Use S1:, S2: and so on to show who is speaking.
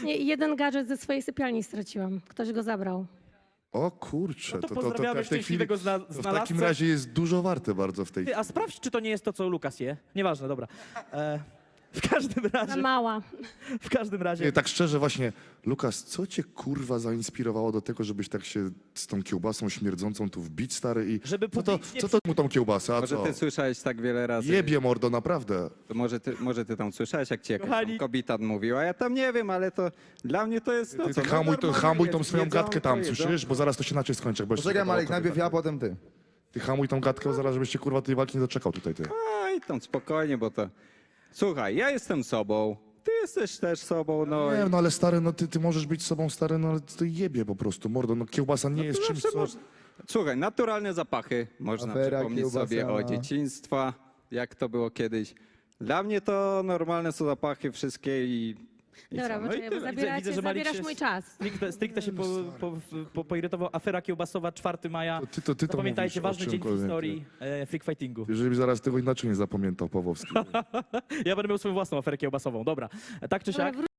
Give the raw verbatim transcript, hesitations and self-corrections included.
S1: Nie, jeden gadżet ze swojej sypialni straciłam. Ktoś go zabrał.
S2: O kurczę,
S3: No to
S2: to, to, to,
S3: pozdrawiamy
S2: w tej chwili
S3: szczęśliwego zna-
S2: to w
S3: znalazcę.
S2: takim razie jest dużo warte bardzo w tej
S3: Ty,
S2: chwili.
S3: a sprawdź, czy to nie jest to, co Lukas je. Nieważne, dobra. E, w każdym
S1: Za
S3: razie,
S1: mała.
S3: w każdym razie.
S2: Nie, tak szczerze właśnie, Lukas, co cię kurwa zainspirowało do tego, żebyś tak się z tą kiełbasą śmierdzącą tu wbić, stary, i
S3: Żeby
S2: co to,
S3: publicznie
S2: co to mu tą kiełbasę, a
S4: Może
S2: co?
S4: ty słyszałeś tak wiele razy.
S2: Jebie mordo, naprawdę.
S4: To może, ty, może ty tam słyszałeś, jak ci jakaś
S3: Kochani.
S4: tam kobieta mówiła. Ja tam nie wiem, ale to dla mnie to jest to,
S2: Ty,
S4: co
S2: ty
S4: no
S2: hamuj, to,
S4: normalnie
S2: hamuj tą
S4: jest.
S2: swoją
S4: Jedzą,
S2: gadkę tam,
S4: to jedzą.
S2: słyszysz? Bo zaraz to się inaczej skończy. jak będziesz
S5: Poczekaj,
S2: taka
S5: Malek,
S2: kobieta.
S5: najpierw ja, potem ty.
S2: Ty hamuj tą gadkę, bo zaraz żebyś się kurwa tej walki nie doczekał tutaj, ty.
S4: Oj, tam spokojnie, bo to... Słuchaj, ja jestem sobą, ty jesteś też sobą, no
S2: Nie,
S4: i...
S2: no ale stary, no ty, ty możesz być sobą stary, no ale to jebie po prostu, mordo, no kiełbasa nie jest czymś,
S4: Zawsze
S2: co...
S4: moż- Słuchaj, naturalne zapachy, można
S5: Afera
S4: przypomnieć sobie o
S5: kiełbasana.
S4: dzieciństwa, jak to było kiedyś. Dla mnie to normalne są zapachy wszystkie i... i
S1: Dobra,
S4: co? No i
S1: poczekaj, bo
S4: tyle.
S1: zabieracie,
S3: widzę, że Malik
S1: zabierasz
S3: się
S1: mój
S3: z-
S1: czas.
S3: Stricte, stricte się po, po, po, poirytował. Afera kiełbasowa, czwartego maja.
S2: To ty to, ty to
S3: Zapamiętajcie,
S2: mówisz o
S3: ważny dzień w
S2: czymkolwiek,
S3: historii e, freak fightingu.
S2: Jeżeli zaraz tego inaczej nie zapamiętał Pawłowski.
S3: Ja będę miał swoją własną aferę kiełbasową. Dobra, tak czy
S1: Dobra,
S3: siak.